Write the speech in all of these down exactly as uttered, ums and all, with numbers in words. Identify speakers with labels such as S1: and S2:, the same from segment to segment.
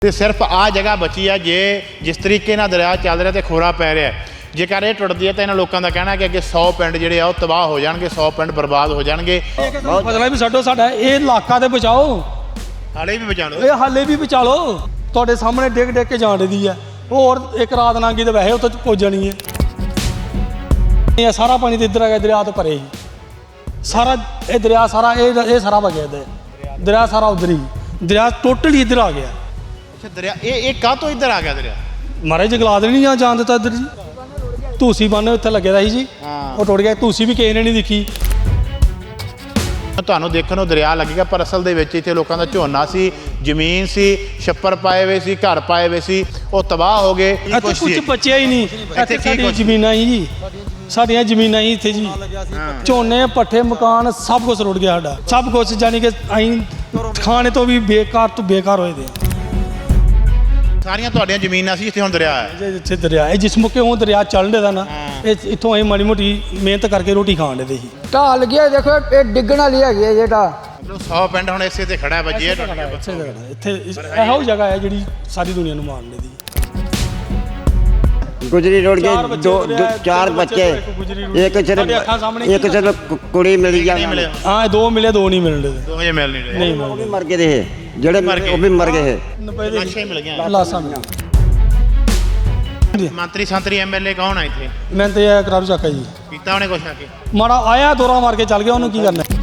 S1: ਤੇ ਸਿਰਫ ਆ ਜਗ੍ਹਾ ਬਚੀ ਆ। ਜੇ ਜਿਸ ਤਰੀਕੇ ਨਾਲ ਦਰਿਆ ਚੱਲ ਰਿਹਾ ਤੇ ਖੋਰਾ ਪੈ ਰਿਹਾ, ਜੇਕਰ ਇਹ ਟੁੱਟਦੀ ਹੈ ਤਾਂ ਇਹਨਾਂ ਲੋਕਾਂ ਦਾ ਕਹਿਣਾ ਕਿ ਅੱਗੇ ਸੌ ਪਿੰਡ ਜਿਹੜੇ ਆ ਉਹ ਤਬਾਹ ਹੋ ਜਾਣਗੇ, ਸੌ ਪਿੰਡ ਬਰਬਾਦ ਹੋ ਜਾਣਗੇ।
S2: ਫਸਲਾਂ ਵੀ ਛੱਡੋ, ਸਾਡਾ ਇਹ ਇਲਾਕਾ ਤੇ ਬਚਾਓ,
S1: ਹਾਲੇ ਵੀ ਬਚਾ ਲਓ,
S2: ਇਹ ਹਾਲੇ ਵੀ ਬਚਾ ਲਓ। ਤੁਹਾਡੇ ਸਾਹਮਣੇ ਡਿੱਗ ਡਿੱਗ ਕੇ ਜਾਣ ਦੀ ਹੈ, ਹੋਰ ਇੱਕ ਰਾਤ ਲੰਘੀ ਤੇ ਵੈਸੇ ਉੱਥੇ ਪੁੱਜ ਜਾਣੀ ਹੈ। ਇਹ ਸਾਰਾ ਪਾਣੀ ਤੇ ਇੱਧਰ ਆ ਗਿਆ, ਦਰਿਆ ਤੋਂ ਪਰੇ ਹੀ ਸਾਰਾ ਇਹ ਦਰਿਆ ਸਾਰਾ ਇਹ ਇਹ ਸਾਰਾ ਵਗਿਆ ਇੱਧਰ, ਦਰਿਆ ਸਾਰਾ ਉਧਰ ਹੀ, ਦਰਿਆ ਟੋਟਲੀ ਇੱਧਰ ਆ ਗਿਆ।
S1: ਅੱਛਾ, ਦਰਿਆ ਇਹ ਇਹ ਕਾਹ ਤੋਂ ਇੱਧਰ ਆ ਗਿਆ ਦਰਿਆ?
S2: ਮਾਰੇ ਜੰਗਲਾਤ ਨਹੀਂ ਆ ਜਾਣ ਦਿੱਤਾ ਇੱਧਰ ਜੀ। ਧੂਸੀ ਬੰਨ ਉੱਥੇ ਲੱਗਿਆ ਦਾ ਸੀ ਜੀ, ਉਹ ਟੁੱਟ ਗਿਆ। ਧੂਸੀ ਵੀ ਕਿਸੇ ਨੇ ਨਹੀਂ ਦੇਖੀ।
S1: ਤੁਹਾਨੂੰ ਦੇਖਣ ਨੂੰ ਦਰਿਆ ਲੱਗੇਗਾ, ਪਰ ਅਸਲ ਦੇ ਵਿੱਚ ਇੱਥੇ ਲੋਕਾਂ ਦਾ ਝੋਨਾ ਸੀ, ਜ਼ਮੀਨ ਸੀ, ਛੱਪਰ ਪਾਏ ਹੋਏ ਸੀ, ਘਰ ਪਾਏ ਹੋਏ ਸੀ, ਉਹ ਤਬਾਹ ਹੋ ਗਏ।
S2: ਇੱਥੇ ਕੁਝ ਬਚਿਆ ਹੀ ਨਹੀਂ। ਇੱਥੇ ਸਾਡੀਆਂ ਜ਼ਮੀਨਾਂ ਹੀ ਜੀ, ਸਾਡੀਆਂ ਜ਼ਮੀਨਾਂ ਹੀ ਇੱਥੇ ਜੀ, ਝੋਨੇ ਪੱਠੇ ਮਕਾਨ ਸਭ ਕੁਝ ਰੁੜ ਗਿਆ ਸਾਡਾ, ਸਭ ਕੁਝ। ਜਾਨੀ ਕਿ ਅਸੀਂ ਖਾਣੇ ਤੋਂ ਵੀ ਬੇਕਾਰ ਤੋਂ ਬੇਕਾਰ ਹੋਏ ਦੇ।
S1: ਸਾਰੀਆਂ ਤੁਹਾਡੀਆਂ ਜ਼ਮੀਨਾਂ ਸੀ ਜਿੱਥੇ ਹੁਣ ਦਰਿਆ ਹੈ।
S2: ਜਿੱਥੇ ਦਰਿਆ ਹੈ, ਜਿਸ ਮੁਕੇ ਹੁਣ ਦਰਿਆ ਚੱਲ ਰਿਹਾ ਨਾ, ਇਹ ਇੱਥੋਂ ਅਸੀਂ ਮਾੜੀ ਮੋਟੀ ਮਿਹਨਤ ਕਰਕੇ ਰੋਟੀ ਖਾਣ ਦੇ ਸੀ।
S3: ਢਾਹ ਲੱਗਿਆ, ਦੇਖੋ ਇਹ ਡਿੱਗਣ ਵਾਲੀ ਹੈਗੀ ਹੈ ਜਿਹੜਾ
S1: ਮਤਲਬ ਸੌ ਪਿੰਡ ਹੁਣ ਇਸੇ ਤੇ ਖੜਾ ਵੱਜੇ ਹੈ।
S2: ਇੱਥੇ ਇਹੋ ਜਗ੍ਹਾ ਹੈ ਜਿਹੜੀ ਸਾਰੀ ਦੁਨੀਆ ਨੂੰ ਮਾਰਨੇ ਦੀ।
S4: ਗੁਜਰੀ ਰੋਡ ਕੇ ਦੋ ਚਾਰ ਬੱਚੇ, ਇੱਕ ਸਿਰਫ ਇੱਕ ਸਿਰਫ ਕੁੜੀ ਮਿਲੀ ਜਾਂ
S2: ਹਾਂ, ਦੋ ਮਿਲੇ, ਦੋ ਨਹੀਂ ਮਿਲਦੇ,
S1: ਦੋ ਵਜੇ ਮਿਲ ਨਹੀਂ ਰਹੇ।
S2: ਨਹੀਂ
S4: ਉਹ ਵੀ ਮਰ ਗਏ ਦੇ, ਜਿਹੜੇ ਉਹ ਵੀ ਮਰ ਗਏ।
S1: ਲਾਸ਼ਾਂ ਹੀ ਮਿਲ ਗਈਆਂ,
S2: ਲਾਸਾਂ ਮਿਲੀਆਂ।
S1: ਮੰਤਰੀ ਸੰਤਰੀ ਐਮਐਲਏ ਕੌਣ ਆ ਇੱਥੇ?
S2: ਮੈਂ ਤੇ ਇਹ ਕਰਾਰੂ ਚੱਕਾ ਜੀ
S1: ਕੀਤਾ ਉਹਨੇ ਕੁਛ ਆ ਕੇ?
S2: ਮਾੜਾ ਆਇਆ, ਦੋਰਾ ਮਾਰ ਕੇ ਚੱਲ ਗਿਆ, ਉਹਨੂੰ ਕੀ ਕਰਨਾ।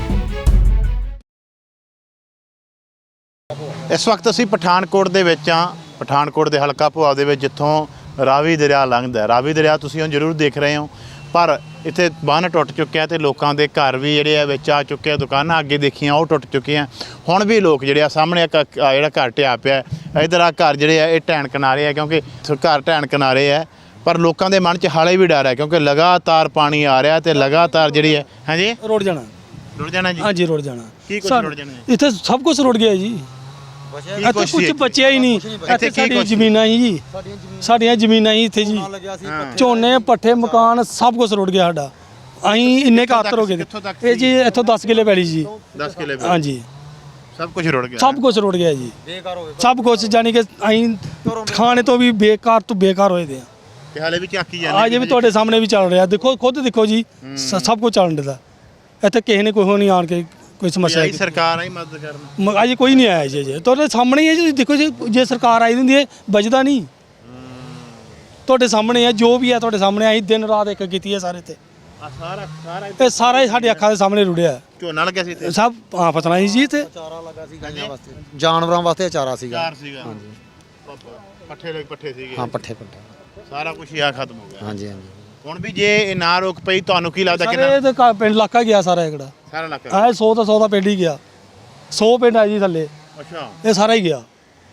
S1: ਇਸ ਵਕਤ ਅਸੀਂ ਪਠਾਨਕੋਟ ਦੇ ਵਿੱਚ ਆ, ਪਠਾਨਕੋਟ ਦੇ ਹਲਕਾ ਭੁਆ ਦੇ ਵਿੱਚ, ਜਿੱਥੋਂ ਰਾਵੀ ਦਰਿਆ ਲੰਘਦਾ। ਰਾਵੀ ਦਰਿਆ ਤੁਸੀਂ ਹੁਣ ਜ਼ਰੂਰ ਦੇਖ ਰਹੇ ਹੋ, ਪਰ ਇੱਥੇ ਬੰਨ੍ਹ ਟੁੱਟ ਚੁੱਕਿਆ ਤੇ ਲੋਕਾਂ ਦੇ ਘਰ ਵੀ ਜਿਹੜੇ ਆ ਵਿੱਚ ਆ ਚੁੱਕੇ ਆ। ਦੁਕਾਨਾਂ ਅੱਗੇ ਦੇਖੀਆਂ ਉਹ ਟੁੱਟ ਚੁੱਕੀਆਂ। ਹੁਣ ਵੀ ਲੋਕ ਜਿਹੜੇ ਆ ਸਾਹਮਣੇ ਇੱਕ ਜਿਹੜਾ ਘਰ ਢਿਆ ਪਿਆ, ਇੱਧਰ ਆ ਘਰ ਜਿਹੜੇ ਆ ਇਹ ਢਹਿਣ ਕਿਨਾਰੇ ਆ, ਕਿਉਂਕਿ ਘਰ ਢਹਿਣ ਕਿਨਾਰੇ ਆ। ਪਰ ਲੋਕਾਂ ਦੇ ਮਨ 'ਚ ਹਾਲੇ ਵੀ ਡਰ ਹੈ, ਕਿਉਂਕਿ ਲਗਾਤਾਰ ਪਾਣੀ ਆ ਰਿਹਾ ਤੇ ਲਗਾਤਾਰ ਜਿਹੜੀ ਹੈ ਹਾਂਜੀ
S2: ਰੁੜ ਜਾਣਾ,
S1: ਰੁੜ ਜਾਣਾ ਜੀ।
S2: ਹਾਂਜੀ ਰੁੜ ਜਾਣਾ।
S1: ਕੀ ਕੁਝ ਰੁੜ ਜਾਣਾ?
S2: ਇੱਥੇ ਸਭ ਕੁਝ ਰੁੜ ਗਿਆ ਜੀ, ਇੱਥੇ ਕੁਝ ਬਚਿਆ ਹੀ ਨਹੀਂ। ਇੱਥੇ ਸਾਡੀਆਂ ਜ਼ਮੀਨਾਂ ਹੀ ਜੀ, ਸਾਡੀਆਂ ਜ਼ਮੀਨਾਂ ਹੀ ਇੱਥੇ ਜੀ, ਝੋਨੇ ਪੱਠੇ ਮਕਾਨ ਸਭ ਕੁਝ ਰੁੜ ਗਿਆ ਸਾਡਾ। ਅਸੀਂ ਇੰਨੇ ਕਾਤਰ ਹੋ ਗਏ ਇਹ ਜੀ। ਇੱਥੋਂ ਦਸ ਕਿੱਲੇ ਪੈਲੀ ਜੀ,
S1: ਦਸ ਕਿੱਲੇ
S2: ਹਾਂਜੀ,
S1: ਸਭ ਕੁਝ ਰੁੜ ਗਿਆ,
S2: ਸਭ ਕੁਝ ਰੁੜ ਗਿਆ ਜੀ, ਸਭ ਕੁਝ। ਜਾਨੀ ਕਿ ਅਸੀਂ ਖਾਣੇ ਤੋਂ ਵੀ ਬੇਕਾਰ ਤੋਂ ਬੇਕਾਰ ਹੋਏ ਦੇ ਆ।
S1: ਤੇ ਹਾਲੇ ਵੀ ਝਾਕੀ ਜਾਂਦੇ
S2: ਅੱਜ ਵੀ ਤੁਹਾਡੇ ਸਾਹਮਣੇ ਵੀ ਚੱਲ ਰਿਹਾ, ਦੇਖੋ ਖੁਦ ਦੇਖੋ ਜੀ, ਸਭ ਕੁਝ ਚੱਲਣ ਦਾ। ਇੱਥੇ ਕਿਸੇ ਨੇ ਕੋਈ ਨਹੀਂ ਆਣ ਕੇ ਕੋਈ ਸਮੱਸਿਆ
S1: ਆਈ ਸਰਕਾਰ ਆਈ ਮਦਦ ਕਰਨ,
S2: ਅਜ ਕੋਈ ਨਹੀਂ ਆਇਆ ਜੀ। ਜੇ ਤੁਹਾਡੇ ਸਾਹਮਣੇ ਹੀ ਹੈ ਜੀ, ਦੇਖੋ ਜੀ, ਜੇ ਸਰਕਾਰ ਆਈ ਹੁੰਦੀ ਹੈ ਬਚਦਾ ਨਹੀਂ। ਤੁਹਾਡੇ ਸਾਹਮਣੇ ਹੈ, ਜੋ ਵੀ ਹੈ ਤੁਹਾਡੇ ਸਾਹਮਣੇ। ਆਈ ਦਿਨ ਰਾਤ ਇੱਕ ਕੀਤੀ ਹੈ ਸਾਰੇ ਤੇ,
S1: ਸਾਰਾ ਸਾਰਾ
S2: ਇਹ ਸਾਰਾ ਹੀ ਸਾਡੇ ਅੱਖਾਂ ਦੇ ਸਾਹਮਣੇ ਰੁੜਿਆ।
S1: ਝੋਨਾ ਲੱਗਿਆ ਸੀ ਇੱਥੇ,
S2: ਸਭ ਹਾਂ ਫਸਲਾਂ ਸੀ ਜੀ। ਤੇ
S5: ਚਾਰਾ ਲੱਗਾ ਸੀ ਗਾਈਆਂ ਵਾਸਤੇ, ਜਾਨਵਰਾਂ ਵਾਸਤੇ ਚਾਰਾ ਸੀਗਾ।
S1: ਚਾਰ ਸੀਗਾ, ਹਾਂਜੀ, ਪੱਠੇ ਲੱਗ ਪੱਠੇ ਸੀਗੇ।
S5: ਹਾਂ, ਪੱਠੇ ਪੱਠੇ
S1: ਸਾਰਾ ਕੁਝ ਹੀ ਆ ਖਤਮ ਹੋ ਗਿਆ।
S5: ਹਾਂਜੀ ਹਾਂਜੀ।
S1: ਹੁਣ ਵੀ ਜੇ ਇਹ ਨਾ ਰੋਕ ਪਈ, ਤੁਹਾਨੂੰ ਕੀ ਲੱਗਦਾ
S2: ਸਾਰੇ
S1: ਕਿੰਨਾ
S2: ਤੇ ਘਰ ਪਿੰਡ ਇਲਾਕਾ ਗਿਆ ਸਾਰਾ ਇਕੜਾ?
S1: ਸਾਰਾ ਇਲਾਕਾ?
S2: ਆਹ ਸੌ ਤਾਂ ਸੌ ਦਾ ਪਿੰਡ ਹੀ ਗਿਆ, ਸੌ ਪਿੰਡ ਆ ਜੀ ਥੱਲੇ,
S1: ਅੱਛਾ,
S2: ਇਹ ਸਾਰਾ ਹੀ ਗਿਆ।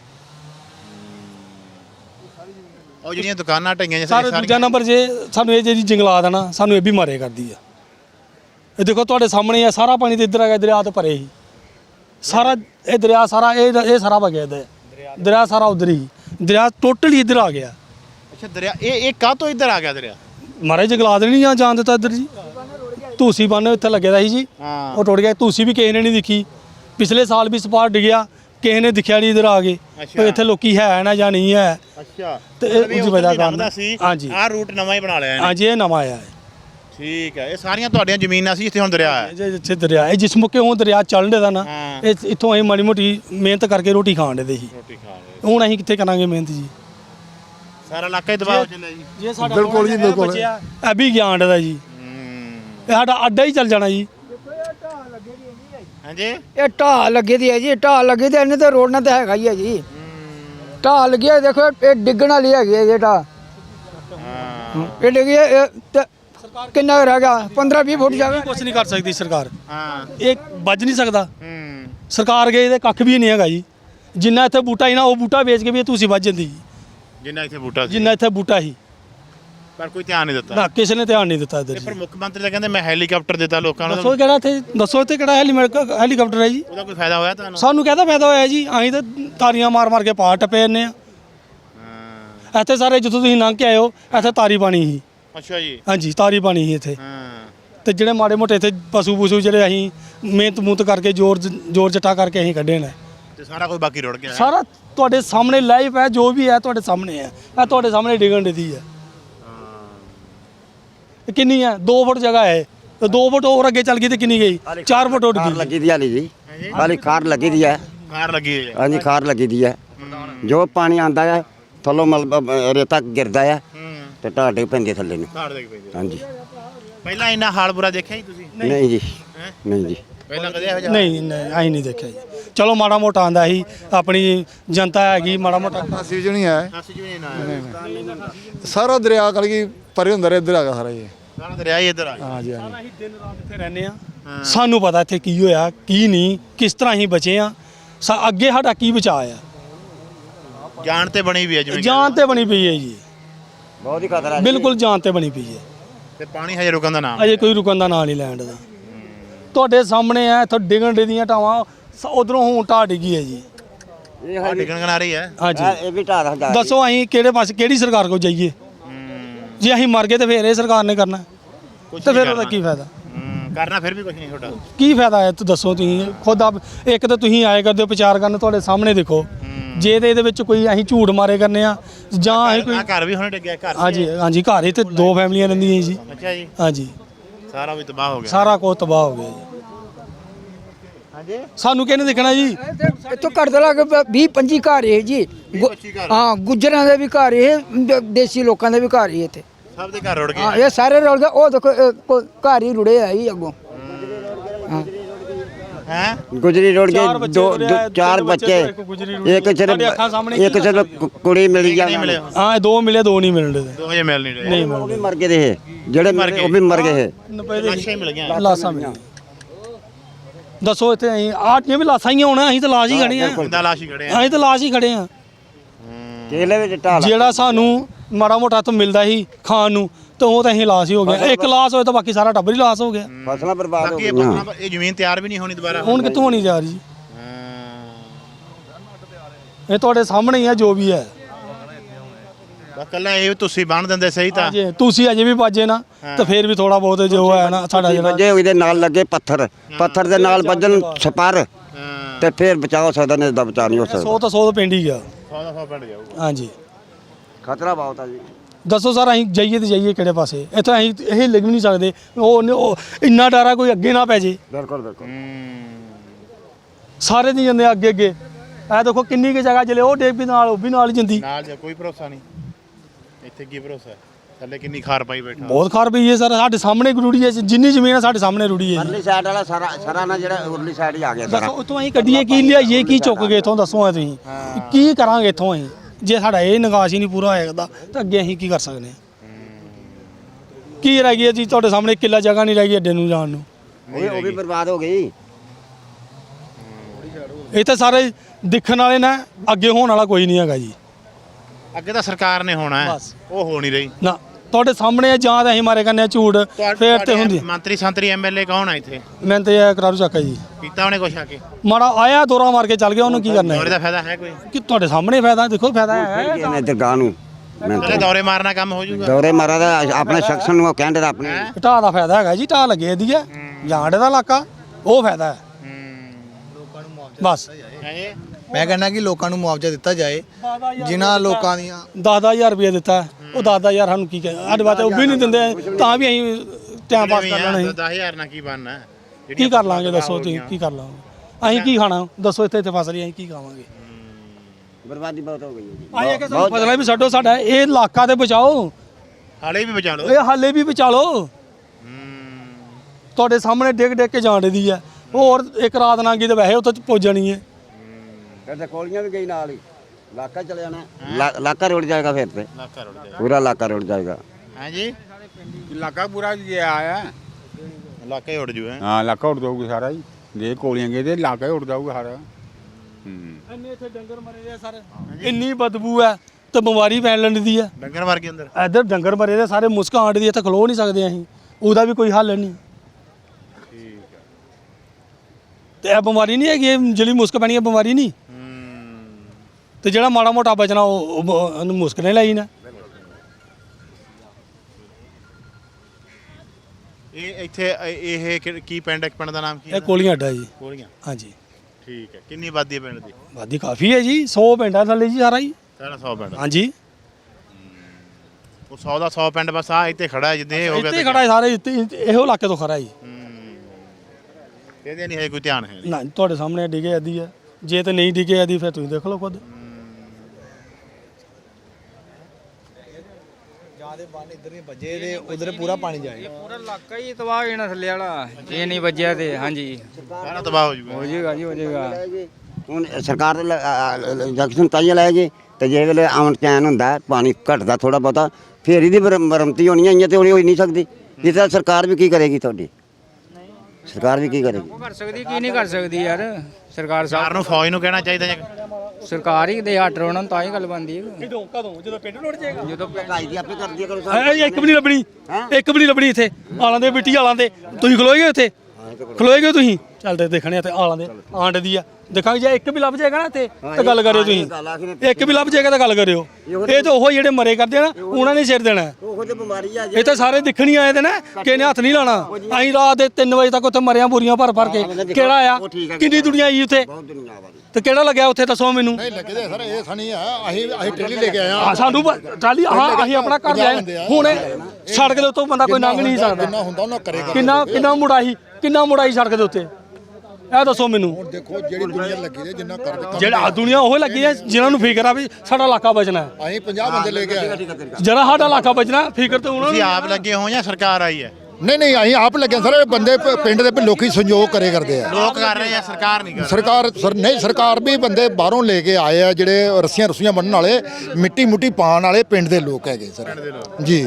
S1: ਉਹ ਜਿਹੜੀਆਂ ਦੁਕਾਨਾਂ ਢਾਈਆਂ ਜਾਂ
S2: ਸਾਰੇ ਦੂਜਾ ਨੰਬਰ ਜੇ ਸਾਨੂੰ ਇਹ ਜਿਹੜੀ ਜੰਗਲਾਤ ਆ ਨਾ, ਸਾਨੂੰ ਇਹ ਵੀ ਮਾਰੇ ਕਰਦੀ ਆ। ਇਹ ਦੇਖੋ ਤੁਹਾਡੇ ਸਾਹਮਣੇ ਆ, ਸਾਰਾ ਪਾਣੀ ਤੇ ਇੱਧਰ ਆ ਗਿਆ, ਦਰਿਆ ਤੋਂ ਪਰੇ ਹੀ ਸਾਰਾ ਇਹ ਦਰਿਆ ਸਾਰਾ ਇਹ ਇਹ ਸਾਰਾ ਵਗਿਆ ਇੱਧਰ, ਦਰਿਆ ਸਾਰਾ ਉਧਰ ਹੀ, ਦਰਿਆ ਟੋਟਲੀ ਇੱਧਰ ਆ ਗਿਆ।
S1: ਅੱਛਾ, ਦਰਿਆ ਇਹ ਇਹ ਕਾਹ ਤੋਂ ਇੱਧਰ ਆ ਗਿਆ ਦਰਿਆ?
S2: ਮਾਰੇ ਜੰਗਲਾਤ ਨਹੀਂ ਆ ਜਾਣ ਦਿੱਤਾ ਇੱਧਰ ਜੀ। ਧੂਸੀ ਬੰਨ ਉੱਥੇ ਲੱਗਿਆ ਦਾ ਸੀ ਜੀ, ਉਹ ਟੁੱਟ ਗਿਆ। ਧੂਸੀ ਵੀ ਕਿਸੇ ਨੇ ਨਹੀਂ ਦੇਖੀ। ਪਿਛਲੇ ਸਾਲ ਵੀ ਸਪਾਰ ਡਿੱਗਿਆ, ਕਿਸੇ ਨੇ ਦਿਖਿਆ ਨਹੀਂ ਇੱਧਰ ਆ ਕੇ ਵੀ ਇੱਥੇ ਲੋਕੀ ਹੈ ਨਾ ਜਾਂ ਨਹੀਂ ਹੈ।
S1: ਅੱਛਾ,
S2: ਤੇ ਇਹ ਉਹਦੀ ਵਜ੍ਹਾ ਕਾਰਨ
S1: ਹਾਂਜੀ ਆਹ ਰੂਟ ਨਵਾਂ ਹੀ ਬਣਾ ਲਿਆ ਇਹਨੇ।
S2: ਹਾਂਜੀ, ਇਹ ਨਵਾਂ ਆਇਆ ਹੈ।
S1: ਠੀਕ ਹੈ, ਇਹ ਸਾਰੀਆਂ ਤੁਹਾਡੀਆਂ ਜ਼ਮੀਨਾਂ ਸੀ ਜਿੱਥੇ ਹੁਣ ਦਰਿਆ ਹੈ।
S2: ਜਿੱਥੇ ਦਰਿਆ ਹੈ, ਜਿਸ ਮੁਕੇ ਹੁਣ ਦਰਿਆ ਚੱਲ ਰਿਹਾ ਨਾ, ਇਹ ਇੱਥੋਂ ਅਸੀਂ ਮਾੜੀ ਮੋਟੀ ਮਿਹਨਤ ਕਰਕੇ ਰੋਟੀ ਖਾਣ ਦੇ ਸੀ।
S1: ਰੋਟੀ ਖਾ ਰਹੇ
S2: ਹੁਣ ਅਸੀਂ ਕਿੱਥੇ ਕਰਾਂਗੇ ਮਿਹਨਤ ਜੀ?
S1: ਸਾਰਾ ਇਲਾਕਾ ਹੀ ਤਬਾਹ ਹੋ ਚੱਲਿਆ ਜੀ।
S2: ਜੇ ਸਾਡਾ ਬਿਲਕੁਲ ਜੀ, ਬਿਲਕੁਲ ਇਹ ਵੀ ਗਿਆਨ ਦਾ ਜੀ, ਇਹ ਸਾਡਾ ਅੱਡਾ ਹੀ ਚੱਲ ਜਾਣਾ ਜੀ।
S1: ਹਾਂਜੀ,
S3: ਇਹ ਢਾਹ ਲੱਗੀ ਦੀ ਹੈ ਜੀ, ਢਾਹ ਲੱਗੀ ਤੇ ਇਹਨੇ ਤੇ ਰੋੜਨਾ ਤਾਂ ਹੈਗਾ ਹੀ ਹੈ ਜੀ। ਢਾਹ ਲੱਗੀ ਹੈ, ਦੇਖੋ ਇਹ ਡਿੱਗਣ ਵਾਲੀ ਹੈਗੀ ਹੈ ਜਿਹੜਾ, ਇਹ ਡਿੱਗੀ ਹੈ। ਇਹ ਤੇ ਕਿੰਨਾ ਰਹਿ ਗਿਆ? ਪੰਦਰਾਂ ਵੀਹ ਫੁੱਟ ਜਾਵੇ।
S2: ਕੁਝ ਨਹੀਂ ਕਰ ਸਕਦੀ ਸਰਕਾਰ,
S1: ਹਾਂ,
S2: ਇਹ ਵੱਜ ਨਹੀਂ ਸਕਦਾ।
S1: ਹੂੰ,
S2: ਸਰਕਾਰ ਗਏ ਇਹਦੇ ਕੱਖ ਵੀ ਨਹੀਂ ਹੈਗਾ ਜੀ। ਜਿੰਨਾ ਇੱਥੇ ਬੂਟਾ ਹੀ ਨਾ, ਉਹ ਬੂਟਾ ਵੇਚ ਕੇ ਵੀ ਤੁਸੀਂ ਵੱਜ ਜਾਂਦੀ ਜੀ।
S1: ਜਿੰਨਾ ਇੱਥੇ ਬੂਟਾ ਸੀ,
S2: ਜਿੰਨਾ ਇੱਥੇ ਬੂਟਾ ਹੀ,
S1: ਪਰ ਕੋਈ ਧਿਆਨ ਨਹੀਂ ਦਿੱਤਾ।
S2: ਨਾ ਕਿਸੇ ਨੇ ਧਿਆਨ ਨਹੀਂ ਦਿੱਤਾ ਇੱਧਰ।
S1: ਪਰ ਮੁੱਖ ਮੰਤਰੀ ਤਾਂ ਕਹਿੰਦੇ ਮੈਂ ਹੈਲੀਕਾਪਟਰ ਦਿੱਤਾ ਲੋਕਾਂ ਨੂੰ।
S2: ਦੱਸੋ ਕਿਹੜਾ ਇੱਥੇ, ਦੱਸੋ ਇੱਥੇ ਕਿਹੜਾ ਹੈਲੀਕਾਪਟਰ ਹੈ ਜੀ?
S1: ਉਹਦਾ ਕੋਈ ਫਾਇਦਾ ਹੋਇਆ ਤੁਹਾਨੂੰ?
S2: ਸਾਨੂੰ ਕਹਿੰਦਾ ਫਾਇਦਾ ਹੋਇਆ ਜੀ, ਅਸੀਂ ਤਾਂ ਤਾਰੀਆਂ ਮਾਰ ਮਾਰ ਕੇ ਪਾਰ ਟੱਪੇ ਜਾਂਦੇ ਆ। ਇੱਥੇ ਸਾਰੇ ਜਿੱਥੋਂ ਤੁਸੀਂ ਲੰਘ ਕੇ ਆਏ ਹੋ, ਇੱਥੇ ਤਾਰੀ ਪਾਣੀ ਸੀ।
S1: ਅੱਛਾ ਜੀ,
S2: ਹਾਂਜੀ, ਤਾਰੀ ਪਾਣੀ ਸੀ ਇੱਥੇ।
S1: ਹਾਂ,
S2: ਤੇ ਜਿਹੜੇ ਮਾੜੇ ਮੋਟੇ ਇੱਥੇ ਪਸ਼ੂ ਪਸ਼ੂ ਜਿਹੜੇ ਅਸੀਂ ਮਿਹਨਤ ਮੂਤ ਕਰਕੇ ਜ਼ੋਰ ਜ਼ੋਰ ਜੱਟਾ ਕਰਕੇ ਅਸੀਂ ਕੱਢੇ ਨੇ।
S1: ਤੇ ਸਾਰਾ ਕੁਝ ਬਾਕੀ ਰੁੜ ਗਿਆ।
S2: ਸਾਰਾ ਤੁਹਾਡੇ ਸਾਹਮਣੇ ਲਾਈਵ ਹੈ, ਜੋ ਵੀ ਹੈ ਤੁਹਾਡੇ ਸਾਹਮਣੇ ਹੈ, ਇਹ ਤੁਹਾਡੇ ਸਾਹਮਣੇ ਡਿੱਗਣ ਦੀ ਹੈ। ਇਹ ਕਿੰਨੀ ਹੈ? ਦੋ ਫੁੱਟ ਜਗ੍ਹਾ ਹੈ ਤੇ ਦੋ ਫੁੱਟ ਹੋਰ ਅੱਗੇ ਚੱਲ ਗਈ ਤੇ ਕਿੰਨੀ ਗਈ? ਚਾਰ ਫੁੱਟ ਉੱਡ
S4: ਖਾਰ
S2: ਗਈ।
S4: ਲੱਗੀ ਦੀ ਹਾਲੀ ਜੀ, ਹਾਲੀ ਖਾਰ ਲੱਗੀ ਦੀ ਹੈ।
S1: ਕਾਰ ਲੱਗੀ ਹੋਈ ਹੈ।
S4: ਹਾਂਜੀ ਖਾਰ ਲੱਗੀ ਦੀ ਹੈ। ਜੋ ਪਾਣੀ ਆਂਦਾ ਹੈ ਥੱਲੋਂ ਮਲਬਾ ਰੇਤਾ ਗਿਰਦਾ ਹੈ ਤੇ ਢਾਡੇ ਪੈਂਦੇ ਥੱਲੇ ਨੂੰ।
S1: ਕਾਰ ਲੱਗੀ ਪਈ ਹੈ।
S4: ਹਾਂਜੀ
S1: ਪਹਿਲਾਂ ਇੰਨਾ ਹਾਲ ਬੁਰਾ ਦੇਖਿਆ ਜੀ ਤੁਸੀਂ?
S4: ਨਹੀਂ ਜੀ, ਨਹੀਂ ਜੀ।
S1: ਪਹਿਲਾਂ ਕਦੇ ਇਹੋ ਜਿਹਾ
S2: ਨਹੀਂ ਨਹੀਂ ਅਸੀਂ ਨਹੀਂ ਦੇਖਿਆ ਜੀ। ਚਲੋ ਮਾੜਾ ਮੋਟਾ ਆਂਦਾ ਸੀ, ਆਪਣੀ ਜਨਤਾ ਹੈਗੀ ਮਾੜਾ ਮੋਟਾ।
S6: ਅਸੀਂ ਜੋ ਨਹੀਂ ਆਇਆ
S1: ਅਸੀਂ ਜਿਵੇਂ ਨਾ
S6: ਸਾਰਾ ਦਰਿਆ ਕਲ ਕੀ ਪਰੇ ਹੁੰਦਾ ਰਿਹਾ, ਇੱਧਰ ਆ ਗਿਆ ਸਾਰਾ ਜੀ।
S1: ਸਾਰਾ ਦਰਿਆ ਹੀ ਇੱਧਰ ਆ ਗਿਆ।
S6: ਹਾਂਜੀ ਹਾਂਜੀ
S2: ਅਸੀਂ ਦਿਨ ਰਾਤ ਇੱਥੇ ਰਹਿੰਦੇ ਆ, ਸਾਨੂੰ ਪਤਾ ਇੱਥੇ ਕੀ ਹੋਇਆ ਕੀ ਨਹੀਂ, ਕਿਸ ਤਰ੍ਹਾਂ ਅਸੀਂ ਬਚੇ ਆ, ਅੱਗੇ ਸਾਡਾ ਕੀ ਬਚਾਅ ਆ।
S1: ਜਾਨ ਤੇ ਬਣੀ ਵੀ ਹੈ ਜਿਵੇਂ
S2: ਜਾਨ ਤੇ ਬਣੀ ਪਈ ਹੈ ਜੀ,
S4: ਬਹੁਤ ਹੀ ਖਤਰਾ ਜੀ।
S2: ਬਿਲਕੁਲ ਜਾਨ ਤੇ ਬਣੀ ਪਈ ਹੈ।
S1: ਤੇ ਪਾਣੀ ਹਜੇ ਰੁਕਣ ਦਾ ਨਾਮ
S2: ਅਜੇ ਕੋਈ ਰੁਕਣ ਦਾ ਨਾਂ ਨਹੀਂ ਲੈਣ ਦਾ। ਤੁਹਾਡੇ ਸਾਹਮਣੇ ਆ ਇੱਥੋਂ ਡਿੱਗਣ ਦੀਆਂ ਢਾਵਾਂ, ਉਧਰੋਂ ਹੁਣ ਢਾਹ ਡਿੱਗੀ ਹੈ ਜੀ।
S4: ਇਹ
S1: ਆ
S4: ਹਾਲੀ
S1: ਡਿੱਗਣ ਕਨਾ ਰਹੀ ਹੈ।
S2: ਹਾਂਜੀ
S4: ਇਹ ਵੀ ਢਾਹ ਰੱਖਦਾ।
S2: ਦੱਸੋ ਅਸੀਂ ਕਿਹੜੇ ਪਾਸੇ, ਕਿਹੜੀ ਸਰਕਾਰ ਕੋਲ ਜਾਈਏ? ਜੇ ਅਸੀਂ ਮਰ ਗਏ ਤੇ ਫਿਰ ਇਹ ਸਰਕਾਰ ਨੇ ਕਰਨਾ, ਤੇ ਫਿਰ ਉਹਦਾ ਕੀ ਫਾਇਦਾ?
S1: ਹੂੰ, ਕਰਨਾ ਫਿਰ ਵੀ ਕੁਝ ਨਹੀਂ ਤੁਹਾਡਾ।
S2: ਕੀ ਫਾਇਦਾ ਹੈ? ਤੂੰ ਦੱਸੋ ਤੁਸੀਂ ਖੁਦ ਆਪ। ਇੱਕ ਤਾਂ ਤੁਸੀਂ ਆਏ ਕਰਦੇ ਹੋ ਵਿਚਾਰ ਕਰਨ, ਤੁਹਾਡੇ ਸਾਹਮਣੇ ਦੇਖੋ। ਜੇ ਤੇ ਇਹਦੇ ਵਿੱਚ ਕੋਈ ਅਸੀਂ ਝੂਠ ਮਾਰੇ ਕਰਨੇ ਆ ਜਾਂ ਅਸੀਂ ਕੋਈ।
S1: ਆ ਘਰ ਵੀ ਹੁਣੇ ਡਿੱਗਿਆ ਘਰ।
S2: ਹਾਂਜੀ ਹਾਂਜੀ ਘਰ ਹੀ ਤੇ ਦੋ ਫੈਮਲੀਆਂ ਰਹਿੰਦੀਆਂ ਜੀ।
S1: ਅੱਛਾ ਜੀ।
S2: ਹਾਂਜੀ
S1: ਸਾਰਾ ਵੀ ਤਬਾਹ ਹੋ ਗਿਆ।
S2: ਸਾਰਾ ਕੁਝ ਤਬਾਹ ਹੋ ਗਿਆ ਜੀ।
S1: ਹਾਂਜੀ
S2: ਸਾਨੂੰ ਕਿਹਨੇ ਦੇਖਣਾ ਜੀ?
S3: ਇੱਥੋਂ ਘੱਟ ਤੋਂ ਲੱਗ ਵੀਹ ਪੰਜੀ ਘਰ ਇਹ ਜੀ। ਗੁ- ਹਾਂ ਗੁੱਜਰਾਂ ਦੇ ਵੀ ਘਰ ਇਹ, ਦ- ਦੇਸੀ ਲੋਕਾਂ ਦੇ ਵੀ ਘਰ ਹੀ ਇੱਥੇ।
S1: ਸਭ ਦੇ ਘਰ ਰੁੜ
S3: ਹਾਂ
S1: ਗਏ।
S3: ਇਹ ਸਾਰੇ ਰੁੜ ਗਏ। ਉਹ ਦੇਖੋ ਇਹ ਕੋ- ਘਰ ਹੀ ਰੁੜੇ ਆ ਜੀ ਅੱਗੋਂ। ਹਾਂ
S1: ਹੈ
S4: ਗੁਜਰੀ ਰੋਡ
S2: ਚਾਰ
S4: ਕੇ
S2: ਬੱਚੇ
S4: ਦੋ
S2: ਰੁੜੇ
S4: ਦੋ-
S2: ਆ,
S4: ਚਾਰ
S2: ਤਿੰਨ ਬੱਚੇ
S4: ਬੱਚੇ,
S2: ਤੇ ਇੱਕ ਗੁਜਰੀ ਰੁੜੀ।
S4: ਇੱਕ ਸਿਰਫ
S2: ਤੁਹਾਡੀ ਅੱਖਾਂ ਸਾਹਮਣੇ
S4: ਇੱਕ ਸਿਰਫ ਕੁ- ਕੁੜੀ ਮਿਲੀ ਜਾਂ
S1: ਨਹੀਂ ਮਿਲੇ।
S2: ਹਾਂ ਇਹ ਦੋ ਮਿਲੇ, ਦੋ ਨਹੀਂ ਮਿਲਦੇ।
S1: ਦੋ ਹਜੇ ਮਿਲ ਨਹੀਂ ਰਹੇ।
S2: ਨਹੀਂ
S4: ਉਹ
S2: ਮਿਲਦੇ।
S4: ਵੀ ਮਰ ਗਏ ਦੇ ਇਹ। ਜਿਹੜੇ ਮਰ ਗਏ ਉਹ ਵੀ ਮਰ ਗਏ ਇਹ।
S1: ਲਾਸ਼ਾਂ ਹੀ ਮਿਲ ਗਈਆਂ।
S2: ਲਾਸਾਂ ਮਿਲੀਆਂ। ਦੱਸੋ ਇੱਥੇ ਅਸੀਂ ਆਹ ਵੀ ਲਾਸਾਂ ਹੀ ਹੋਣਾ, ਅਸੀਂ ਤਾਂ ਲਾਸ਼ ਹੀ ਖੜੇ ਆ।
S1: ਬੰਦਾ ਲਾਸ਼ ਹੀ ਖੜੇ ਆ।
S2: ਅਸੀਂ ਤਾਂ ਲਾਸ਼ ਹੀ ਖੜੇ ਆ।
S4: ਕੇਲੇ ਵਿੱਚ ਢਾਲ
S2: ਜਿਹੜਾ ਸਾਨੂੰ ਮਾੜਾ ਮੋਟਾ ਤੋਂ ਮਿਲਦਾ ਸੀ ਖਾਣ ਨੂੰ, ਤੇ ਉਹ ਤਾਂ ਅਸੀਂ ਲਾਸ਼ ਹੀ ਹੋ ਗਿਆ। ਇੱਕ ਲਾਸ਼ ਹੋਏ ਤਾਂ ਬਾਕੀ ਸਾਰਾ ਟੱਬਰ ਹੀ ਲਾਸ਼ ਹੋ ਗਿਆ।
S4: ਫਸਲਾਂ ਬਰਬਾਦ ਹੋ
S1: ਬਾਕੀ ਇਹ
S4: ਗਈਆਂ।
S1: ਫਸਲਾਂ- ਇਹ ਜ਼ਮੀਨ ਤਿਆਰ ਵੀ ਨਹੀਂ ਹੋਣੀ ਦੁਬਾਰਾ।
S2: ਹੁਣ ਕਿੱਥੋਂ ਹੋਣੀ ਜਾ ਰਹੀ?
S1: ਹਾਂ।
S2: ਇਹ ਤੁਹਾਡੇ ਸਾਹਮਣੇ ਹੀ ਆ ਜੋ ਵੀ ਹੈ।
S1: ਬਸ ਕੱਲਾ ਇਹ ਤੁਸੀਂ ਬੰਨ ਦਿੰਦੇ ਸਹੀ ਤਾਂ।
S2: ਜੇ ਤੁਸੀਂ ਅਜੇ ਵੀ ਬਾਜੇ ਨਾ, ਤਾਂ ਫੇਰ ਵੀ ਥੋੜਾ ਬਹੁਤ ਜੋ ਹੈ ਨਾ ਸਾਡਾ ਜਿਹੜਾ।
S4: ਵੱਜੇ ਉਹਦੇ ਨਾਲ ਲੱਗੇ ਪੱਥਰ, ਪੱਥਰ ਦੇ ਨਾਲ ਵੱਜਣ ਸਪਰ,
S1: ਹਾਂ।
S4: ਤੇ ਫਿਰ ਬਚਾਓ ਸਕਦਾ, ਨਹੀਂ ਤਾਂ ਬਚਾ ਨਹੀਂ ਹੋ ਸਕਦਾ।
S2: ਸੌ ਤਾਂ ਸੌ ਤਾਂ ਪਿੰਡ ਹੀ ਗਿਆ।
S1: ਸੌ ਦਾ ਸੌ ਪਿੰਡ ਜਾਊਗਾ।
S2: ਹਾਂਜੀ
S4: ਖਤਰਾ ਬਹੁਤ ਆ ਜੀ।
S2: ਦੱਸੋ ਸਰ ਅਸੀਂ ਜਾਈਏ ਤੇ ਜਾਈਏ ਕਿਹੜੇ ਪਾਸੇ? ਇੱਥੇ ਅਸੀਂ ਇਹ ਲਿਖ ਵੀ ਨਹੀਂ ਸਕਦੇ। ਉਹ ਉਹ ਇੰਨਾ ਡਰ ਆ ਕੋਈ ਅੱਗੇ ਨਾ ਪੈ ਜੇ।
S4: ਬਿਲਕੁਲ ਬਿਲਕੁਲ।
S2: ਸਾਰੇ ਨਹੀਂ ਜਾਂਦੇ ਅੱਗੇ ਅੱਗੇ। ਇਹ ਦੇਖੋ ਕਿੰਨੀ ਕੁ ਜਗ੍ਹਾ ਜਲੇ, ਉਹ ਡੇਗ ਵੀ ਨਾਲ, ਉਹ ਵੀ ਨਾਲ ਹੀ ਜਾਂਦੀ।
S1: ਨਾਲ ਜਾ ਕੋਈ ਭਰੋਸਾ ਨਹੀਂ। ਇੱਥੇ ਕੀ ਭਰੋਸਾ ਹੈ? ਥੱਲੇ ਕਿੰਨੀ ਖਾਰ ਪਾਈ ਬੈਠਾ।
S2: ਬਹੁਤ ਖਾਰ ਪਈ ਹੈ ਸਰ, ਸਾਡੇ ਸਾਹਮਣੇ ਰੁੜੀ ਹੈ। ਜਿੰਨੀ ਜ਼ਮੀਨ ਹੈ ਸਾਡੇ ਸਾਹਮਣੇ ਰੁੜੀ ਹੈ ਜੀ।
S4: ਪਰਲੀ ਸਾਈਡ ਵਾਲਾ ਸਾਰਾ ਸਾਰਾ ਨਾ ਜਿਹੜਾ ਉਰਲੀ ਸਾਈਡ ਹੀ ਆ ਗਿਆ ਸਾਰਾ।
S2: ਦੱਸੋ ਉੱਥੋਂ ਅਸੀਂ ਕੱਢੀਏ ਕੀ, ਲਿਆਈਏ ਕੀ, ਚੁੱਕ ਗਏ ਇੱਥੋਂ? ਦੱਸੋ ਐ ਤੁਸੀਂ ਕੀ ਕਰਾਂਗੇ ਇੱਥੋਂ ਅਸੀਂ? ਜੇ ਸਾਡਾ ਇਹ ਨਿਕਾਸ ਹੀ ਨਹੀਂ ਪੂਰਾ ਹੋਏਗਾ ਤਾਂ ਅੱਗੇ ਅਸੀਂ ਕੀ ਕਰ ਸਕਦੇ ਹਾਂ? ਕੀ ਰਹਿ ਗਈ ਹੈ ਜੀ ਤੁਹਾਡੇ ਸਾਹਮਣੇ? ਕਿੱਲਾ ਜਗ੍ਹਾ ਨਹੀਂ ਰਹਿ ਗਈ ਅੱਡੇ ਨੂੰ ਜਾਣ ਨੂੰ।
S4: ਉਹ ਵੀ- ਉਹ ਵੀ ਬਰਬਾਦ ਹੋ ਗਈ।
S2: ਇਹ ਤਾਂ ਸਾਰੇ ਦਿਖਣ ਵਾਲੇ ਨੇ, ਅੱਗੇ ਹੋਣ ਵਾਲਾ ਕੋਈ ਨਹੀਂ ਹੈਗਾ ਜੀ।
S1: ਅੱਗੇ ਤਾਂ ਸਰਕਾਰ ਨੇ ਹੋਣਾ ਹੈ,
S2: ਬਸ।
S1: ਉਹ ਹੋ ਨਹੀਂ ਰਹੀ।
S2: ਨਾ ਤੁਹਾਡੇ ਸਾਹਮਣੇ ਆ, ਜਾਂ ਤਾਂ ਅਸੀਂ ਮਾਰੇ ਕਰਨੇ ਆ ਝੂਠ, ਫੇਰ ਤੇ ਹੁੰਦੀ।
S1: ਮੰਤਰੀ ਸੰਤਰੀ ਐਮਐਲਏ ਕੌਣ ਆ ਇੱਥੇ?
S2: ਮੈਂ ਤੇ ਇਹ ਕਰਾਰੂ ਚੱਕਾ ਜੀ,
S1: ਕੀਤਾ ਉਹਨੇ ਕੁਛ ਆ ਕੇ?
S2: ਮਾੜਾ ਆਇਆ ਦੋਰਾ ਮਾਰ ਕੇ ਚੱਲ ਗਿਆ, ਉਹਨੂੰ ਕੀ ਕਰਨਾ
S1: ਦੌਰੇ
S2: ਹੈ?
S1: ਦਾ ਫਾਇਦਾ ਹੈ ਕੋਈ?
S2: ਕਿ ਤੁਹਾਡੇ ਸਾਹਮਣੇ ਫਾਇਦਾ ਦੇਖੋ, ਫਾਇਦਾ ਹੈ।
S4: ਇਹਨੇ ਦਰਗਾਹ ਨੂੰ ਮੈਂ
S1: ਪਹਿਲੇ ਦੌਰੇ ਮਾਰਨਾ ਕੰਮ ਹੋ ਜਾਊਗਾ।
S4: ਦੌਰੇ ਮਾਰਾ ਦਾ ਆਪਣੇ ਸ਼ਖਸ ਨੂੰ ਉਹ ਕਹਿੰਦੇ ਦਾ ਆਪਣੇ
S2: ਢਾਹ ਦਾ ਫਾਇਦਾ ਹੈਗਾ ਜੀ, ਢਾਹ ਲੱਗੇ ਇਹਦੀ ਹੈ ਜਾਂਡੇ ਦਾ ਇਲਾਕਾ, ਉਹ ਫਾਇਦਾ ਹੈ ਬਸ।
S1: ਹੈਂ?
S5: ਮੈਂ ਕਹਿੰਦਾ ਕਿ ਲੋਕਾਂ ਨੂੰ ਮੁਆਵਜ਼ਾ ਦਿੱਤਾ ਜਾਏ, ਜਿਨ੍ਹਾਂ ਲੋਕਾਂ ਦੀਆਂ
S2: ਦਸ ਦਸ ਹਜ਼ਾਰ ਰੁਪਏ ਦਿੱਤਾ, ਉਹ ਦਸ ਦਸ ਹਜ਼ਾਰ ਸਾਨੂੰ ਕੀ ਕਹਿੰਦੇ? ਸਾਡੇ ਬਾਤੇ ਉਹ ਵੀ ਨਹੀਂ ਦਿੰਦੇ, ਤਾਂ ਵੀ ਅਸੀਂ ਟਾਈਮ ਪਾਸ ਕਰ ਲੈਣਾ। ਅਸੀਂ
S1: ਦਸ ਹਜ਼ਾਰ ਨਾਲ ਕੀ ਬਣਨਾ?
S2: ਕੀ ਕਰ ਲਾਂਗੇ ਦੱਸੋ ਤੁਸੀਂ? ਕੀ ਕਰ ਲਾਂਗੇ ਅਸੀਂ? ਕੀ ਖਾਣਾ ਦੱਸੋ? ਇੱਥੇ ਇੱਥੇ ਫਸ ਰਹੀ ਅਸੀਂ ਕੀ ਖਾਵਾਂਗੇ?
S4: ਬਰਬਾਦੀ ਬਹੁਤ ਹੋ ਗਈ ਹੈ ਜੀ।
S2: ਅਸੀਂ ਕਿ ਸਾਨੂੰ ਫਸਲਾਂ ਵੀ ਛੱਡੋ, ਸਾਡਾ ਇਹ ਇਲਾਕਾ ਤੇ ਬਚਾਓ,
S1: ਹਾਲੇ ਵੀ ਬਚਾ ਲਓ।
S2: ਇਹ ਹਾਲੇ ਵੀ ਬਚਾ ਲਓ। ਤੁਹਾਡੇ ਸਾਹਮਣੇ ਡਿੱਗ ਡਿੱਗ ਕੇ ਜਾਣ ਦੀ ਹੈ। ਹੋਰ ਇੱਕ ਰਾਤ ਨਾ ਗਈ ਤੇ ਵੈਸੇ ਉੱਥੇ ਪੁੱਜ ਜਾਣੀ ਹੈ।
S4: ਫਿਰ ਤੇ ਕੋਲੀਆਂ ਵੀ ਗਈ ਨਾਲ ਹੀ, ਇਲਾਕਾ ਚਲੇ ਜਾਣਾ, ਇਲਾ- ਇਲਾਕਾ ਰੁੜ ਜਾਏਗਾ ਫਿਰ ਤੇ
S1: ਇਲਾਕਾ ਰੁੜ ਜਾਏਗਾ।
S4: ਪੂਰਾ ਇਲਾਕਾ ਰੁੜ ਜਾਏਗਾ।
S1: ਹਾਂਜੀ,
S7: ਇਲਾਕਾ ਪੂਰਾ ਗਿਆ ਆ।
S1: ਇਲਾਕਾ ਹੀ ਉੜ ਜੂ ਹੈ।
S7: ਹਾਂ ਇਲਾਕਾ ਉੜ ਜਾਊਗਾ ਸਾਰਾ ਹੀ। ਜੇ ਕੋਲੀਆਂ ਗਏ ਤੇ ਇਲਾਕਾ ਹੀ ਉੜ ਜਾਊਗਾ ਸਾਰਾ। ਹੂੰ
S2: ਇੰਨੇ ਇੱਥੇ ਡੰਗਰ ਮਰੇ ਦੇ ਸਰ, ਇੰਨੀ ਬਦਬੂ ਹੈ ਤੇ ਬਿਮਾਰੀ ਪੈਣ ਲੈਂਦੀ ਹੈ।
S1: ਡੰਗਰ ਵਰਗੇ ਅੰਦਰ।
S2: ਇੱਧਰ ਡੰਗਰ ਮਰੇ ਦੇ ਸਾਰੇ, ਮੁਸਕ ਆਂਡ ਦੀ, ਇੱਥੇ ਖਲੋ ਨਹੀਂ ਸਕਦੇ ਅਸੀਂ, ਉਹਦਾ ਵੀ ਕੋਈ ਹੱਲ ਨਹੀਂ। ਤੇ ਇਹ ਬਿਮਾਰੀ ਨਹੀਂ ਹੈਗੀ, ਇਹ ਜਿਹੜੀ ਮੁਸਕ ਪੈਣੀ ਹੈ ਬਿਮਾਰੀ ਨਹੀਂ। ਤੇ ਜਿਹੜਾ ਮਾੜਾ ਮੋਟਾ ਬਚਣਾ ਉਹ ਉਹ- ਉਹਨੂੰ ਮੁਸਕ ਨੇ ਲਾਈ ਨਾ।
S1: ਇਹ ਇੱਥੇ ਇਹ ਕਿ- ਕੀ ਪਿੰਡ, ਇੱਕ ਪਿੰਡ ਦਾ ਨਾਮ ਕੀ ਹੈ?
S2: ਇਹ ਕੋਲੀਆਂ ਅੱਡਾ ਜੀ।
S1: ਕੋਲੀਆਂ।
S2: ਹਾਂਜੀ
S1: ਠੀਕ ਹੈ। ਕਿੰਨੀ ਆਬਾਦੀ ਹੈ ਪਿੰਡ ਦੀ?
S2: ਆਬਾਦੀ ਕਾਫੀ ਹੈ ਜੀ, ਸੌ ਪਿੰਡਾਂ ਥੱਲੇ ਜੀ ਸਾਰਾ ਜੀ।
S1: ਸਾਰਾ ਸੌ ਪਿੰਡ?
S2: ਹਾਂਜੀ।
S1: ਉਹ ਸੌ ਦਾ ਸੌ ਪਿੰਡ ਬਸ ਆ ਇੱਥੇ ਖੜਾ ਹੈ, ਜਿੱਦਾਂ ਇਹ ਹੋ ਗਿਆ
S2: ਇੱਥੇ ਖੜਾ ਹੈ ਸਾਰੇ, ਇੱਥੇ ਇਹੋ ਇਲਾਕੇ ਤੋਂ ਖੜਾ ਜੀ।
S1: ਇਹਦੇ ਨਹੀਂ ਹੈ ਕੋਈ ਧਿਆਨ ਹੈ?
S2: ਨਾ ਤੁਹਾਡੇ ਸਾਹਮਣੇ ਡਿਗੇ ਆਦੀ ਹੈ, ਜੇ ਤੇ ਨਹੀਂ ਡਿਗੇ ਆਦੀ ਫਿਰ ਤੁਸੀਂ ਦੇਖ ਲਓ ਖੁਦ।
S5: ਜਿਆਦੇ ਬੰਨ ਇੱਧਰ ਨਹੀਂ ਵੱਜੇ ਤੇ ਉਧਰ ਪੂਰਾ ਪਾਣੀ ਜਾਏ।
S8: ਪੂਰਾ ਇਲਾਕਾ ਹੀ ਤਬਾਹ ਹੋ ਜਾਣਾ ਥੱਲੇ ਵਾਲਾ, ਇਹ ਨਹੀਂ ਵੱਜਿਆ ਤੇ ਹਾਂਜੀ
S1: ਸਾਰਾ ਤਬਾਹ ਹੋ ਜੂਗਾ।
S8: ਹੋ ਜਾਏਗਾ ਜੀ, ਹੋ ਜਾਏਗਾ।
S4: ਹੁਣ ਸਰਕਾਰ ਜੰਕਸ਼ਨ ਤਾਈਆਂ ਲੈ ਜੇ ਤੇ ਜੇ ਵੇਲੇ ਆਉਣ ਚੈਨ ਹੁੰਦਾ ਪਾਣੀ ਘਟਦਾ ਥੋੜਾ ਬਹੁਤਾ ਫੇਰ ਇਹਦੀ ਮਰ- ਮੁਰੰਮਤੀ ਹੋਣੀ ਹੈ, ਤੇ ਹੋਣੀ ਹੋਈ ਨਹੀਂ ਸਕਦੀ। ਇਹ ਤਾਂ ਸਰਕਾਰ ਵੀ ਕੀ ਕਰੇਗੀ ਤੁਹਾਡੀ? ਸਰਕਾਰ ਵੀ ਕੀ ਕਰੇਗੀ?
S8: ਉਹ ਕਰ ਸਕਦੀ ਕੀ ਨਹੀਂ ਕਰ ਸਕਦੀ ਯਾਰ ਸਰਕਾਰ ਸਾਹਿਬ।
S1: ਸਰਕਾਰ ਨੂੰ ਫੌਜ ਨੂੰ ਕਹਿਣਾ ਚਾਹੀਦਾ ਜੇ
S8: ਸਰਕਾਰ ਹੀ ਦੇ ਹੱਟ ਰੋਣਾ ਤਾਂ ਹੀ ਗੱਲ ਬਣਦੀ ਹੈ।
S2: ਕਦੋਂ ਕਦੋਂ ਜਦੋਂ ਪਿੰਡ ਰੁੜ ਜਾਏਗਾ,
S8: ਜਦੋਂ
S4: ਭਗਾਈ ਦੀ ਆਪੇ ਕਰਦੀ ਕਰੋ
S2: ਹੈ ਇੱਕ ਵੀ ਨਹੀਂ ਲੱਭਣੀ, ਇੱਕ ਵੀ ਨਹੀਂ ਲੱਭਣੀ ਇੱਥੇ ਆਲਾਂ ਦੇ ਮਿੱਟੀ ਆਲਾਂ ਦੇ। ਤੁਸੀਂ ਖਲੋਏਗੇ ਉੱਥੇ, ਖਲੋਏਗੇ ਤੁਸੀਂ? ਚੱਲਦੇ ਦੇਖਣੇ ਤੇ ਆਲਾਂ ਦੇ ਆਂਡ ਦੀ ਆ ਦੇਖਾਂਗੇ, ਜੇ ਇੱਕ ਵੀ ਲੱਭ ਜਾਏਗਾ ਨਾ ਇੱਥੇ ਤਾਂ ਗੱਲ ਕਰਿਓ ਤੁਸੀਂ। ਇੱਕ ਵੀ ਲੱਭ ਜਾਏਗਾ ਤਾਂ ਗੱਲ ਕਰਿਓ। ਇਹ ਤਾਂ ਉਹ ਜਿਹੜੇ ਮਰੇ ਕਰਦੇ ਨਾ ਉਹਨਾਂ ਨੇ ਸਿਰ ਦੇਣਾ।
S4: ਉਹ ਤੇ ਬਿਮਾਰੀ ਆ
S2: ਇਹ ਤਾਂ ਸਾਰੇ ਦਿਖਣੀ ਆਏ ਤੇ ਨਾ, ਕਿਸੇ ਨੇ ਹੱਥ ਨਹੀਂ ਲਾਣਾ। ਅਸੀਂ ਰਾਤ ਦੇ ਤਿੰਨ ਵਜੇ ਤੱਕ ਉੱਥੇ ਮਰਿਆ ਬੋਰੀਆਂ ਭਰ ਭਰ ਕੇ। ਕਿਹੜਾ ਆਇਆ? ਕਿੰਨੀ ਦੁਨੀਆ ਆਈ ਉੱਥੇ
S4: ਬਹੁਤ ਦੁਨੀਆ ਆਵਾਦੀ
S2: ਤੇ ਕਿਹੜਾ ਲੱਗਿਆ ਉੱਥੇ ਦੱਸੋ ਮੈਨੂੰ।
S6: ਨਹੀਂ ਲੱਗੇ ਦੇ ਸਰ, ਇਹ ਸਣੀ ਆ। ਅਸੀਂ ਅਸੀਂ ਟ੍ਰੇਲੀ ਲੈ ਕੇ ਆਏ ਆ।
S2: ਆ ਸਾਨੂੰ ਬ- ਟਰਾਲੀ ਹਾਂ ਅਸੀਂ ਆਪਣਾ ਘਰ ਲਿਆ। ਹੁਣ ਇਹ ਸੜਕ ਦੇ ਉੱਤੋਂ ਬੰਦਾ ਕੋਈ ਲੰਘ ਨਹੀਂ ਸਕਦਾ।
S6: ਜਿੰਨਾ ਹੁੰਦਾ ਉਹਨਾਂ ਕਰੇਗਾ।
S2: ਕਿੰਨਾ ਕਿੰਨਾ ਮੁੜਾਈ ਕਿੰਨਾ ਮੁੜਾਈ ਸੜਕ ਦੇ ਉੱਤੇ, ਇਹ ਦੱਸੋ ਮੈਨੂੰ।
S6: ਦੇਖੋ ਜਿਹੜੀ ਦੁਨੀਆ ਲੱਗੀ ਹੈ, ਜਿੰਨਾ ਕਰਦੇ
S2: ਜਿਹੜਾ ਦੁਨੀਆ ਉਹ ਲੱਗੀ ਹੈ ਜਿਨ੍ਹਾਂ ਨੂੰ ਫਿਕਰ ਆ ਵੀ ਸਾਡਾ ਇਲਾਕਾ ਬਚਣਾ ਹੈ।
S6: ਅਸੀਂ ਪੰਜਾਹ ਬੰਦੇ ਲੈ ਕੇ ਆਏ।
S2: ਜਿਹੜਾ ਸਾਡਾ ਇਲਾਕਾ ਬਚਣਾ ਫਿਕਰ ਤੇ ਉਹਨਾਂ
S1: ਤੁਸੀਂ
S2: ਨੂੰ।
S1: ਆਪ ਲੱਗੇ ਹੋ ਜਾਂ ਸਰਕਾਰ ਆਈ ਹੈ?
S6: ਨਹੀਂ ਨਹੀਂ ਅਸੀਂ ਆਪ ਲੱਗੇ ਸਰ। ਇਹ ਬੰਦੇ ਪ- ਪਿੰਡ ਦੇ ਲੋਕੀ ਸੰਯੋਗ ਕਰੇ ਕਰਦੇ ਆ।
S1: ਲੋਕ ਕਰ ਰਹੇ ਆ, ਸਰਕਾਰ ਨਹੀਂ ਕਰ ਰਹੀ।
S6: ਸਰਕਾਰ ਸਰ ਨਹੀਂ, ਸਰਕਾਰ ਵੀ ਬੰਦੇ ਬਾਹਰੋਂ ਲੈ ਕੇ ਆਏ ਆ, ਜਿਹੜੇ ਰੱਸੀਆਂ ਰੁੱਸੀਆਂ ਬੰਨਣ ਵਾਲੇ, ਮਿੱਟੀ ਮੁੱਟੀ ਪਾਉਣ ਵਾਲੇ ਪਿੰਡ ਦੇ ਲੋਕ ਹੈਗੇ ਸਰ ਜੀ।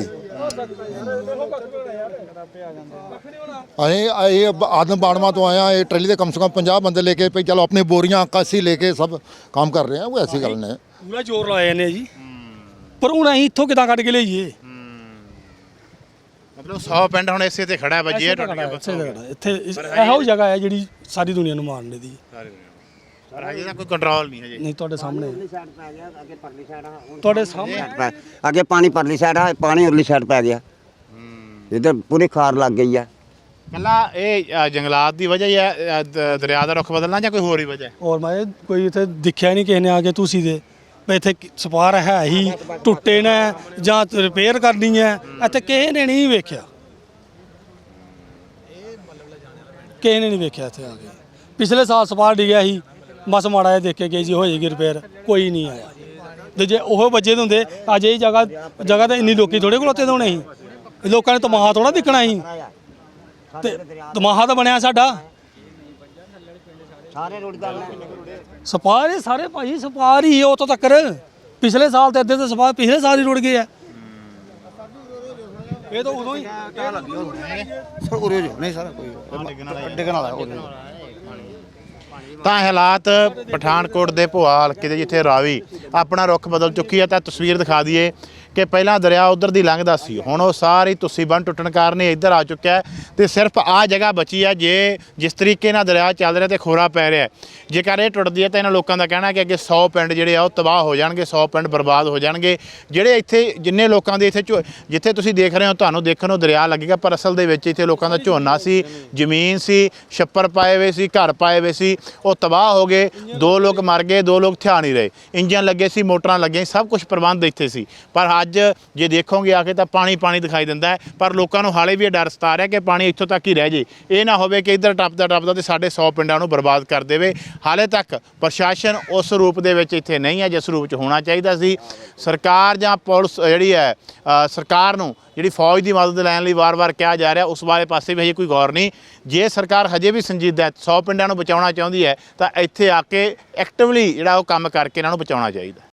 S6: ਅਸੀਂ ਇਹ ਆਦਮ ਬਾੜਵਾ ਤੋਂ ਆਏ ਆ। ਇਹ ਟਰੈਲੀ ਦੇ ਕਮ ਸੇ ਕਮ ਪੰਜਾਹ ਬੰਦੇ ਲੈ ਕੇ, ਭਈ ਚਲੋ ਆਪਣੀ ਬੋਰੀਆਂ ਕਾਸੀ ਲੈ ਕੇ ਸਭ ਕੰਮ ਕਰ ਰਹੇ ਆ। ਉਹ ਐਸੀ ਗੱਲ ਨਹੀਂ।
S2: ਪੂਰਾ ਜ਼ੋਰ ਲਾਇਆ ਨੇ ਜੀ, ਪਰ ਹੁਣ ਅਸੀਂ ਇੱਥੋਂ ਕਿਦਾਂ ਕੱਢ ਕੇ ਲਈਏ?
S1: ਮਤਲਬ ਸੌ ਪਿੰਡ ਹੁਣ ਇਸੇ ਤੇ ਖੜਾ ਹੈ ਵੱਜੇ ਟੁੱਟ ਗਿਆ ਬਸ।
S2: ਇੱਥੇ ਇਹੋ ਜਗ੍ਹਾ ਹੈ ਜਿਹੜੀ ਸਾਰੀ ਦੁਨੀਆ ਨੂੰ ਮਾਰਨ ਦੀ।
S1: ਪਰ ਹਜੇ ਤਾਂ ਕੋਈ ਕੰਟਰੋਲ ਨਹੀਂ ਹਜੇ।
S2: ਨਹੀਂ ਤੁਹਾਡੇ ਸਾਹਮਣੇ, ਤੁਹਾਡੇ ਸਾਹਮਣੇ
S4: ਅੱਗੇ ਪਾਣੀ ਪਰਲੀ ਸਾਈਡ ਆ, ਪਾਣੀ ਉਰਲੀ ਸਾਈਡ ਪੈ ਗਿਆ। ਇੱਧਰ ਪੂਰੀ ਖਾਰ ਲੱਗ ਗਈ ਆ।
S1: ਕੱਲਾ ਇਹ ਅ, ਜੰਗਲਾਤ ਦੀ ਵਜ੍ਹਾ ਹੀ ਹੈ, ਅ, ਦ- ਦਰਿਆ ਦਾ ਰੁੱਖ ਬਦਲਣਾ ਜਾਂ ਕੋਈ ਹੋਰ ਹੀ ਵਜ੍ਹਾ ਹੈ?
S2: ਔਰ ਮੈਂ ਕੋਈ ਇੱਥੇ ਦਿਖਿਆ ਨਹੀਂ ਕਿਸੇ ਨੇ ਆ ਕੇ ਤੁਸੀਂ ਦੇ ਵੀ ਇੱਥੇ ਸਪਾਰ ਹੈ ਹੀ ਟੁੱਟੇ ਨੇ ਜਾਂ ਰਿਪੇਅਰ ਕਰਨੀ ਹੈ, ਇੱਥੇ ਕਿਸੇ ਨੇ ਨਹੀਂ ਵੇਖਿਆ। ਕਿਸੇ ਨੇ ਨਹੀਂ ਵੇਖਿਆ ਇੱਥੇ ਆ ਕੇ। ਪਿਛਲੇ ਸਾਲ ਸਪਾਰ ਡਿੱਗਿਆ ਸੀ, ਬਸ ਮਾੜਾ ਜਿਹਾ ਦੇਖ ਕੇ ਗਏ ਜੀ ਹੋ ਜਾਏਗੀ ਰਿਪੇਅਰ, ਕੋਈ ਨਹੀਂ ਆਇਆ। ਤੇ ਜੇ ਉਹ ਵੱਜੇ ਹੁੰਦੇ ਅੱਜ ਇਹ ਜਗ੍ਹਾ ਜਗ੍ਹਾ ਤੇ ਇੰਨੀ ਲੋਕੀ ਥੋੜੇ ਕੋਲੋਤੇ ਹੋਣੇ ਸੀ। ਲੋਕਾਂ ਨੇ ਤਮਾਹਾ ਥੋੜਾ ਦਿਖਣਾ ਸੀ, ਤੇ ਤਮਾਹਾ ਤਾਂ ਬਣਿਆ ਸਾਡਾ।
S4: ਸਾਰੇ ਰੋਡ ਦਾ
S2: ਸਪਾਰ ਹੀ ਸਾਰੇ ਭਾਈ ਸਪਾਰ ਹੀ ਉਹ ਤੋਂ ਤੱਕ। ਪਿਛਲੇ ਸਾਲ ਤੇ ਅੱਧੇ ਤੇ ਸਪਾਰ ਪਿਛਲੇ ਸਾਲ ਹੀ ਰੁੜ ਗਏ ਆ। ਇਹ ਤਾਂ ਉਦੋਂ ਹੀ
S1: ਤਾਂ ਹਾਲਾਤ ਪਠਾਨਕੋਟ ਦੇ ਭੋਆ ਹਲਕੇ ਦੇ ਜਿੱਥੇ ਰਾਵੀ ਆਪਣਾ ਰੁੱਖ ਬਦਲ ਚੁੱਕੀ ਹੈ। ਤਾਂ ਤਸਵੀਰ ਦਿਖਾ ਦਈਏ ਕਿ ਪਹਿਲਾਂ ਦਰਿਆ ਉਧਰ ਦੀ ਲੰਘਦਾ ਸੀ, ਹੁਣ ਉਹ ਸਾਰੀ ਤੁਸੀਂ ਬੰਨ ਟੁੱਟਣ ਕਾਰਨ ਇਹ ਇੱਧਰ ਆ ਚੁੱਕਿਆ ਹੈ ਤੇ ਸਿਰਫ ਆਹ ਜਗ੍ਹਾ ਬਚੀ ਹੈ। ਜੇ ਜਿਸ ਤਰੀਕੇ ਨਾਲ ਦਰਿਆ ਚੱਲ ਰਿਹਾ ਤੇ ਖੋਰਾ ਪੈ ਰਿਹਾ, ਜੇਕਰ ਇਹ ਟੁੱਟਦੀ ਹੈ ਤਾਂ ਇਹਨਾਂ ਲੋਕਾਂ ਦਾ ਕਹਿਣਾ ਕਿ ਅੱਗੇ ਸੌ ਪਿੰਡ ਜਿਹੜੇ ਆ ਉਹ ਤਬਾਹ ਹੋ ਜਾਣਗੇ, ਸੌ ਪਿੰਡ ਬਰਬਾਦ ਹੋ ਜਾਣਗੇ। ਜਿਹੜੇ ਇੱਥੇ ਜਿੰਨੇ ਲੋਕਾਂ ਦੇ ਇੱਥੇ ਝੋ- ਜਿੱਥੇ ਤੁਸੀਂ ਦੇਖ ਰਹੇ ਹੋ ਤੁਹਾਨੂੰ ਦੇਖਣ ਨੂੰ ਦਰਿਆ ਲੱਗੇਗਾ, ਪਰ ਅਸਲ ਦੇ ਵਿੱਚ ਇੱਥੇ ਲੋਕਾਂ ਦਾ ਝੋਨਾ ਸੀ, ਜ਼ਮੀਨ ਸੀ, ਛੱਪਰ ਪਾਏ ਹੋਏ ਸੀ, ਘਰ ਪਾਏ ਹੋਏ ਸੀ, ਉਹ ਤਬਾਹ ਹੋ ਗਏ। ਦੋ ਲੋਕ ਮਰ ਗਏ, ਦੋ ਲੋਕ ਥਿਆ ਨਹੀਂ ਰਹੇ। ਇੰਜਨ ਲੱਗੇ ਸੀ, ਮੋਟਰਾਂ ਲੱਗੀਆਂ, ਸਭ ਕੁਝ ਪ੍ਰਬੰਧ ਇੱਥੇ ਸੀ। ਪਰ ਅੱਜ ਜੇ ਦੇਖੋਗੇ ਆ ਕੇ ਤਾਂ ਪਾਣੀ ਪਾਣੀ ਦਿਖਾਈ ਦਿੰਦਾ ਹੈ। ਪਰ ਲੋਕਾਂ ਨੂੰ ਹਾਲੇ ਵੀ ਇਹ ਡਰ ਸਤਾ ਰਿਹਾ ਕਿ ਪਾਣੀ ਇੱਥੋਂ ਤੱਕ ਹੀ ਰਹਿ ਜੇ, ਇਹ ਨਾ ਹੋਵੇ ਕਿ ਇੱਧਰ ਟੱਪਦਾ ਟੱਪਦਾ ਤੇ ਸਾਡੇ ਸੌ ਪਿੰਡਾਂ ਨੂੰ ਬਰਬਾਦ ਕਰ ਦੇਵੇ। ਹਾਲੇ ਤੱਕ ਪ੍ਰਸ਼ਾਸਨ ਉਸ ਰੂਪ ਦੇ ਵਿੱਚ ਇੱਥੇ ਨਹੀਂ ਹੈ ਜਿਸ ਰੂਪ 'ਚ ਹੋਣਾ ਚਾਹੀਦਾ ਸੀ। ਸਰਕਾਰ ਜਾਂ ਪੁਲਿਸ ਜਿਹੜੀ ਹੈ ਅ, ਸਰਕਾਰ ਨੂੰ ਜਿਹੜੀ ਫੌਜ ਦੀ ਮਦਦ ਲੈਣ ਲਈ ਵਾਰ-ਵਾਰ ਕਿਹਾ ਜਾ ਰਿਹਾ, ਉਸ ਬਾਰੇ ਪਾਸੇ ਵੀ ਹਜੇ ਕੋਈ ਗੌਰ ਨਹੀਂ। ਜੇ ਸਰਕਾਰ ਹਜੇ ਵੀ ਸੰਜੀਦਾ ਸੌ ਪਿੰਡਾਂ ਨੂੰ ਬਚਾਉਣਾ ਚਾਹੁੰਦੀ ਹੈ ਤਾਂ ਇੱਥੇ ਆ ਕੇ ਐਕਟਿਵਲੀ ਜਿਹੜਾ ਉਹ ਕੰਮ ਕਰਕੇ ਇਹਨਾਂ ਨੂੰ ਬਚਾਉਣਾ ਚਾਹੀਦਾ।